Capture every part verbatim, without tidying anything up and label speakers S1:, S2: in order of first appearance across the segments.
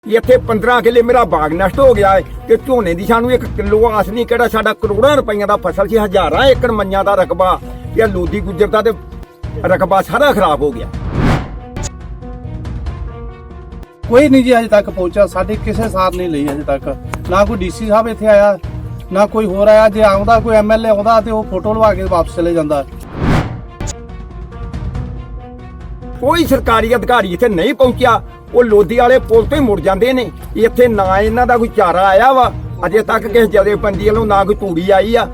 S1: ਇੱਥੇ ਪੰਦਰਾਂ ਕਿੱਲੇ ਮੇਰਾ ਬਾਗ ਨਸ਼ਟ ਹੋ ਗਿਆ ਹੈ ਤੇ ਝੋਨੇ ਦੀ ਸਾਨੂੰ ਇੱਕ ਕਿਲੋ ਆਸ ਨਹੀਂ, ਕਿਹੜਾ ਸਾਡਾ ਕਰੋੜਾਂ ਰੁਪਈਆਂ ਦਾ ਫਸਲ ਸੀ, ਹਜ਼ਾਰਾਂ ਏਕੜ ਮੰਨਿਆਂ ਦਾ ਰਕਬਾ, ਇਹ ਲੋਦੀ ਗੁੱਜਰ ਦਾ ਤੇ ਰਕਬਾ ਸਾਰਾ ਖਰਾਬ ਹੋ ਗਿਆ।
S2: ਕੋਈ ਨਹੀਂ ਜੀ ਅਜੇ ਤੱਕ ਪਹੁੰਚਾ, ਸਾਡੀ ਕਿਸੇ ਸਾਰ ਨਹੀਂ ਲਈ ਅਜੇ ਤੱਕ। ਨਾ ਕੋਈ ਡੀਸੀ ਸਾਹਿਬ ਇੱਥੇ ਆਇਆ, ਨਾ ਕੋਈ ਹੋਰ ਆਇਆ। ਜੇ ਆਉਂਦਾ ਕੋਈ ਐਮਐਲਏ ਆਉਂਦਾ ਤੇ ਉਹ ਫੋਟੋ ਲਵਾ ਕੇ ਵਾਪਸ ਚਲੇ ਜਾਂਦਾ।
S1: ਕੋਈ ਸਰਕਾਰੀ ਅਧਿਕਾਰੀ ਇੱਥੇ ਨਹੀਂ ਪਹੁੰਚਿਆ, ਉਹ ਲੋਦੀ ਵਾਲੇ ਪੁਲ ਤੋਂ ਹੀ ਮੁੜ ਜਾਂਦੇ ਨੇ। ਇੱਥੇ ਨਾ ਇਹਨਾਂ ਦਾ ਕੋਈ ਚਾਰਾ ਆਇਆ ਵਾ, ਅਜੇ ਤੱਕ ਕਿਸੇ ਜਥੇਬੰਦੀ ਵੱਲੋਂ ਨਾ ਕੋਈ ਤੂੜੀ ਆਈ ਆ।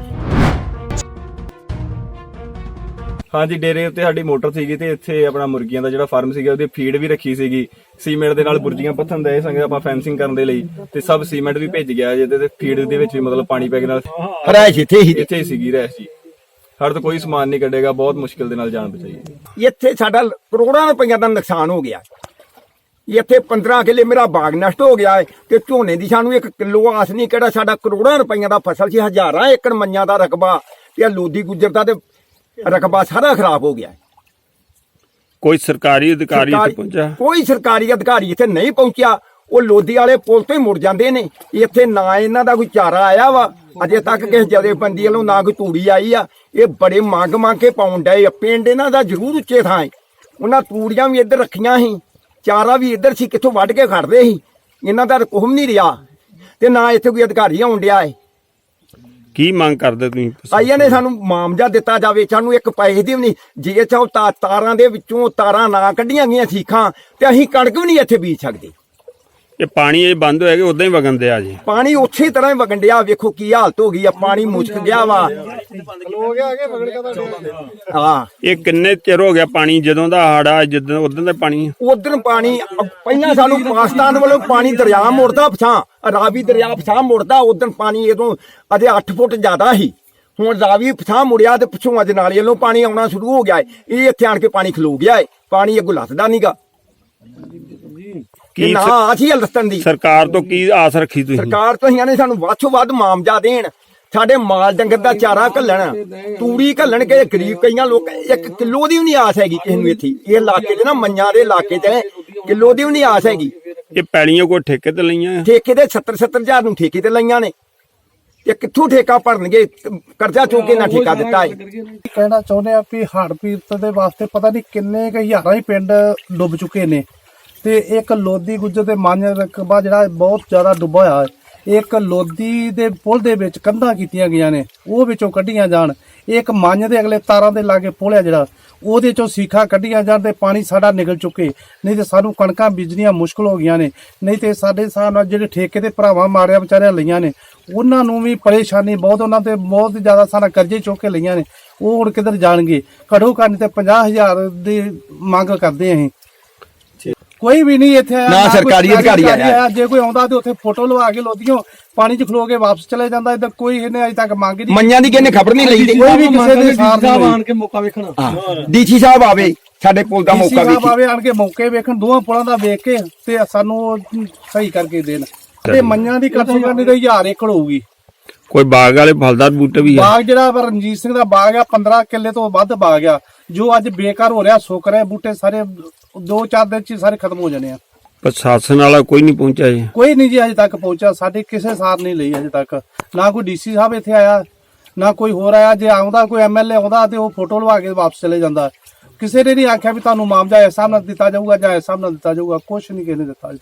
S3: ਹਾਂਜੀ, ਡੇਰੇ ਉੱਤੇ ਸਾਡੀ ਮੋਟਰ ਸੀਗੀ ਤੇ ਇੱਥੇ ਆਪਣਾ ਮੁਰਗੀਆਂ ਦਾ ਜਿਹੜਾ ਫਾਰਮ ਸੀਗਾ ਉਹਦੀ ਫੀਡ ਵੀ ਰੱਖੀ ਸੀਗੀ। ਸੀਮੈਂਟ ਦੇ ਨਾਲ ਬੁਰਜੀਆਂ ਪੱਥਨ ਦੇ ਸੰਗੇ ਆਪਾਂ ਫੈਂਸਿੰਗ ਕਰਨ ਦੇ ਲਈ, ਤੇ ਸਭ ਸੀਮੈਂਟ ਵੀ ਭੇਜ ਗਿਆ ਜੇ, ਤੇ ਫੀਡ ਦੇ ਵਿੱਚ ਵੀ ਮਤਲਬ ਪਾਣੀ ਪੈ ਗਿਆ ਨਾਲ
S1: ਰਹਿਸ਼ ਇੱਥੇ ਹੀ
S3: ਇੱਥੇ ਹੀ ਸੀਗੀ ਰਹਿਸ਼ ਜੀ। ਸਾਡੇ ਤੋਂ ਕੋਈ ਸਮਾਨ ਨਹੀਂ ਕੱਢੇਗਾ, ਬਹੁਤ ਮੁਸ਼ਕਿਲ ਦੇ ਨਾਲ ਜਾਨ ਬਚਾਈ।
S1: ਇੱਥੇ ਸਾਡਾ ਕਰੋੜਾਂ ਰੁਪਈਆ ਦਾ ਨੁਕਸਾਨ ਹੋ ਗਿਆ। ਇੱਥੇ ਪੰਦਰਾਂ ਕਿੱਲੇ ਮੇਰਾ ਬਾਗ ਨਸ਼ਟ ਹੋ ਗਿਆ ਹੈ ਤੇ ਝੋਨੇ ਦੀ ਸਾਨੂੰ ਇੱਕ ਕਿਲੋ ਆਸ ਨਹੀਂ, ਕਿਹੜਾ ਸਾਡਾ ਕਰੋੜਾਂ ਰੁਪਈਆ ਦਾ ਫਸਲ ਸੀ, ਹਜ਼ਾਰਾਂ ਏਕੜ ਮੰਨਿਆਂ ਦਾ ਰਕਬਾ, ਤੇ ਲੋਦੀ ਗੁੱਜਰ ਦਾ ਤੇ ਰਕਬਾ ਸਾਰਾ ਖਰਾਬ ਹੋ ਗਿਆ।
S4: ਕੋਈ ਸਰਕਾਰੀ ਅਧਿਕਾਰੀ ਇੱਥੇ ਪਹੁੰਚਾ?
S1: ਕੋਈ ਸਰਕਾਰੀ ਅਧਿਕਾਰੀ ਇੱਥੇ ਨਹੀਂ ਪਹੁੰਚਿਆ, ਉਹ ਲੋਦੀ ਵਾਲੇ ਪੁਲ ਤੋਂ ਹੀ ਮੁੜ ਜਾਂਦੇ ਨੇ। ਇੱਥੇ ਨਾ ਇਹਨਾਂ ਦਾ ਕੋਈ ਚਾਰਾ ਆਇਆ ਵਾ, ਅਜੇ ਤੱਕ ਕਿਸੇ ਜਥੇਬੰਦੀ ਵੱਲੋਂ ਨਾ ਕੋਈ ਤੂੜੀ ਆਈ ਆ। ਇਹ ਬੜੇ ਮੰਗ ਮੰਗ ਕੇ ਪਾਉਣ ਡਏ ਆ। ਪਿੰਡ ਇਹਨਾਂ ਦਾ ਜ਼ਰੂਰ ਉੱਚੇ ਥਾਂ ਹੈ, ਉਹਨਾਂ ਤੂੜੀਆਂ ਵੀ ਇੱਧਰ ਰੱਖੀਆਂ ਸੀ, ਚਾਰਾ ਵੀ ਇੱਧਰ ਸੀ, ਕਿੱਥੋਂ ਵੱਢ ਕੇ ਖੜਦੇ ਸੀ। ਇਹਨਾਂ ਦਾ ਕੁਹਮ ਨਹੀਂ ਰਿਹਾ ਤੇ ਨਾ ਇੱਥੇ ਕੋਈ ਅਧਿਕਾਰੀ ਆਉਣ ਡਿਆ ਹੈ।
S4: ਕੀ ਮੰਗ ਕਰਦੇ ਤੁਸੀਂ?
S1: ਆਈਆਂ ਨੇ ਸਾਨੂੰ ਮਾਮਜਾ ਦਿੱਤਾ ਜਾਵੇ, ਸਾਨੂੰ ਇੱਕ ਪੈਸੇ ਦੀ ਵੀ ਨਹੀਂ। ਜੇ ਚਾਹੋ ਤਾਂ ਤਾਰਾਂ ਦੇ ਵਿੱਚੋਂ ਤਾਰਾਂ ਨਾ ਕੱਢੀਆਂ ਗਈਆਂ ਸੀਖਾਂ ਤੇ ਅਸੀਂ ਕਣਕ ਵੀ ਨਹੀਂ ਇੱਥੇ ਬੀਜ ਸਕਦੇ।
S4: ਇਹ ਪਾਣੀ ਇਹ ਬੰਦ ਹੋਇਆ ਕਿ ਉਦਾਂ ਹੀ ਵਗਣ ਦਿਆ ਜੀ?
S1: ਪਾਣੀ ਉਸੇ ਤਰ੍ਹਾਂ ਹੀ ਵਗਣ ਡਿਆ, ਵੇਖੋ ਕੀ ਹਾਲਤ ਹੋ ਗਈ ਆ। ਪਾਣੀ ਮੁਸ਼ਕ ਗਿਆ ਵਾ। ਹਾਂ,
S4: ਇਹ ਕਿੰਨੇ ਚਿਰ ਹੋ ਗਿਆ ਪਾਣੀ ਜਦੋਂ ਦਾ ਹਾੜਾ, ਜਦੋਂ ਉਦੋਂ ਦਾ ਪਾਣੀ?
S1: ਉਧਰ ਪਾਣੀ ਪਹਿਲਾਂ ਸਾਨੂੰ ਪਾਕਿਸਤਾਨ ਵੱਲੋਂ ਪਾਣੀ ਦਰਿਆ ਮੁੜਦਾ ਪਛਾਂ, ਰਾਵੀ ਦਰਿਆ ਪਛਾਂ ਮੁੜਦਾ। ਉਧਰ ਪਾਣੀ ਇਦੋਂ ਅਜੇ ਅੱਠ ਫੁੱਟ ਜ਼ਿਆਦਾ ਸੀ, ਹੁਣ ਰਾਵੀ ਪਛਾਂ ਮੁੜਿਆ ਤੇ ਪਿੱਛੋਂ ਅੱਜ ਨਾਲੇ ਵੱਲੋਂ ਪਾਣੀ ਆਉਣਾ ਸ਼ੁਰੂ ਹੋ ਗਿਆ ਹੈ। ਇਹ ਇੱਥੇ ਆਣ ਕੇ ਪਾਣੀ ਖਲੋ ਗਿਆ ਹੈ, ਪਾਣੀ ਅੱਗੋਂ ਲੱਥਦਾ ਨਹੀਂਗਾ।
S4: ਕੀ
S1: ਨਾ ਆਸੀ ਹਲਸਤਨ ਦੀ
S4: ਸਰਕਾਰ ਤੋਂ ਕੀ ਆਸ ਰੱਖੀ ਤੁਸੀਂ?
S1: ਸਰਕਾਰ ਤੋਂ ਨੇ ਸਾਨੂੰ ਵੱਧ ਤੋਂ ਵੱਧ ਮਾਮਜਾ ਦੇਣ, ਸਾਡੇ ਮਾਲ ਡੰਗਰ ਦਾ ਚਾਰਾ ਘੱਲਣ, ਤੂੜੀ ਘੱਲਣ ਕੇ ਗਰੀਬ ਕਈਆਂ ਲੋਕ ਇੱਕ ਕਿਲੋ ਦੀ ਵੀ ਨਹੀਂ ਆਸ ਹੈਗੀ ਕਿਸੇ ਨੂੰ। ਇੱਥੇ ਇਹ ਇਲਾਕੇ 'ਚ ਨਾ ਮੰਨਿਆਂ ਦੇ ਇਲਾਕੇ 'ਚ ਕਿਲੋ ਦੀ ਵੀ ਨਹੀਂ ਆਸ ਹੈਗੀ।
S4: ਇਹ ਪੈਲੀਆਂ ਕੋਈ ਠੇਕੇ ਤੇ ਲਈਆਂ?
S1: ਠੇਕੇ ਦੇ ਸੱਤਰ ਸੱਤਰ ਹਜ਼ਾਰ ਨੂੰ ਠੇਕੇ ਤੇ ਲਈਆਂ ਨੇ। ਇਹ ਕਿੱਥੋਂ ਠੇਕਾ ਭਰਨਗੇ? ਕਰਜ਼ਾ ਚੁੱਕ ਕੇ ਨਾ ਠੇਕਾ ਦਿੱਤਾ ਹੈ।
S2: ਕਹਿਣਾ ਚਾਹੁੰਦੇ ਆ ਵੀ ਹੜ੍ਹ ਪੀੜਤ ਦੇ ਵਾਸਤੇ ਪਤਾ ਨਹੀਂ ਕਿੰਨੇ ਕੁ ਹਜ਼ਾਰਾਂ ਹੀ ਪਿੰਡ ਡੁੱਬ ਚੁੱਕੇ ਨੇ, ਤੇ ਇੱਕ ਲੋਦੀ ਗੁੱਜਰ ਦੇ ਮੰਨ ਰਕਬਾ ਜਿਹੜਾ ਬਹੁਤ ਜ਼ਿਆਦਾ ਡੁੱਬਾ ਹੋਇਆ ਹੈ। ਇੱਕ ਲੋਦੀ ਦੇ ਪੁਲ ਦੇ ਵਿੱਚ ਕੰਧਾਂ ਕੀਤੀਆਂ ਗਈਆਂ ਨੇ, ਉਹ ਵਿੱਚੋਂ ਕੱਢੀਆਂ ਜਾਣ। ਇੱਕ ਮੰਨ ਦੇ ਅਗਲੇ ਤਾਰਾਂ ਦੇ ਲਾਗੇ ਪੁਲ ਆ ਜਿਹੜਾ, ਉਹਦੇ ਚੋਂ ਸੀਖਾਂ ਕੱਢੀਆਂ ਜਾਣ ਤੇ ਪਾਣੀ ਸਾਡਾ ਨਿਕਲ ਚੁੱਕੇ। ਨਹੀਂ ਤੇ ਸਾਨੂੰ ਕਣਕਾਂ ਬੀਜਣੀਆਂ ਮੁਸ਼ਕਲ ਹੋ ਗਈਆਂ ਨੇ। ਨਹੀਂ ਤੇ ਸਾਡੇ ਹਿਸਾਬ ਨਾਲ ਜਿਹੜੇ ਠੇਕੇ ਦੇ ਭਰਾਵਾਂ ਮਾਰਿਆ ਵਿਚਾਰਿਆਂ ਲਈਆਂ ਨੇ, ਉਹਨਾਂ ਨੂੰ ਵੀ ਪਰੇਸ਼ਾਨੀ ਬਹੁਤ, ਉਹਨਾਂ ਤੇ ਬਹੁਤ ਜ਼ਿਆਦਾ ਸਾਰਾ ਕਰਜ਼ੇ ਚੁੱਕ ਕੇ ਲਈਆਂ ਨੇ। ਉਹ ਹੁਣ ਕਿੱਧਰ ਜਾਣਗੇ? ਘੱਟੋ ਘੱਟ ਤੇ ਪੰਜਾਹ ਹਜ਼ਾਰ ਦੀ ਮੰਗ ਕਰਦੇ ਅਸੀਂ। ਕੋਈ ਵੀ ਨਹੀਂ ਇੱਥੇ
S1: ਨਾ ਸਰਕਾਰੀ ਅਧਿਕਾਰੀ ਆਇਆ।
S2: ਜੇ ਕੋਈ ਆਉਂਦਾ ਤੇ ਉੱਥੇ ਫੋਟੋ ਲਵਾ ਕੇ ਲੋਦੀਓ ਪਾਣੀ 'ਚ ਖਲੋ ਕੇ ਵਾਪਸ ਚਲੇ ਜਾਂਦਾ। ਇੱਧਰ ਕੋਈ ਇਹਨੇ ਅਜੇ ਤੱਕ ਮੰਗ ਨਹੀਂ।
S1: ਮੰਨਿਆਂ ਦੀ ਕਿਹਨੇ ਖਬਰ ਨਹੀਂ ਲਈ।
S2: ਕੋਈ ਵੀ ਕਿਸੇ ਦੇ ਸਾਥ ਆਣ ਕੇ ਮੌਕਾ ਵੇਖਣਾ,
S1: ਡੀਸੀ ਸਾਹਿਬ ਆਵੇ ਸਾਡੇ ਪੁਲ ਦਾ ਮੌਕਾ
S2: ਵੇਖੇ, ਆਵੇ ਆਣ ਕੇ ਮੌਕੇ ਵੇਖਣ, ਦੋਵਾਂ ਪੁਲਾਂ ਦਾ ਵੇਖ ਕੇ ਤੇ ਸਾਨੂੰ ਸਹੀ ਕਰਕੇ ਦੇਣ। ਤੇ ਮੰਨਿਆਂ ਦੀ ਕਰਸੀ ਕਰਨੀ ਤਾਂ ਹਜ਼ਾਰ ਏਕੜ ਹੋਊਗੀ।
S4: ਕੋਈ ਬਾਗ ਵਾਲੇ ਫਲਦਾਰ ਬੂਟੇ ਵੀ ਆ?
S2: ਬਾਗ ਜਿਹੜਾ ਰਣਜੀਤ ਸਿੰਘ ਦਾ ਬਾਗ ਆ, ਪੰਦਰਾਂ ਕਿੱਲੇ ਤੋਂ ਵੱਧ ਬਾਗ ਆ, ਜੋ ਅੱਜ ਬੇਕਾਰ ਹੋ ਰਿਹਾ, ਸੁੱਕ ਰਿਹਾ। ਬੂਟੇ ਸਾਰੇ ਦੋ ਚਾਰ ਦਿਨ ਚ ਸਾਰੇ ਖਤਮ ਹੋ ਜਾਣੇ ਆ।
S4: ਪ੍ਰਸ਼ਾਸਨ ਵਾਲਾ ਕੋਈ ਨਹੀਂ ਪਹੁੰਚਿਆ ਜੀ?
S2: ਕੋਈ ਨਹੀਂ ਜੀ ਅਜੇ ਤੱਕ ਪਹੁੰਚਾ, ਸਾਡੀ ਕਿਸੇ ਸਾਰ ਨਹੀਂ ਲਈ ਅਜੇ ਤੱਕ। ਨਾ ਕੋਈ ਡੀਸੀ ਸਾਹਿਬ ਇੱਥੇ ਆਇਆ, ਨਾ ਕੋਈ ਹੋਰ ਆਇਆ। ਜੇ ਆਉਂਦਾ ਕੋਈ ਐਮਐਲਏ ਆਉਂਦਾ ਤੇ ਉਹ ਫੋਟੋ ਲਵਾ ਕੇ ਵਾਪਸ ਚਲੇ ਜਾਂਦਾ। ਕਿਸੇ ਨੇ ਨਹੀਂ ਆਖਿਆ ਵੀ ਤੁਹਾਨੂੰ ਮਾਮਜਾ ਇਸ ਹਿਸਾਬ ਨਾਲ ਦਿੱਤਾ ਜਾਊਗਾ ਜਾਂ ਇਸ ਹਿਸਾਬ ਨਾਲ ਦਿੱਤਾ ਜਾਊਗਾ। ਕੁਛ ਨਹੀਂ ਕਿਸੇ ਨੇ ਦਿੱਤਾ ਅਜੇ ਤੱਕ।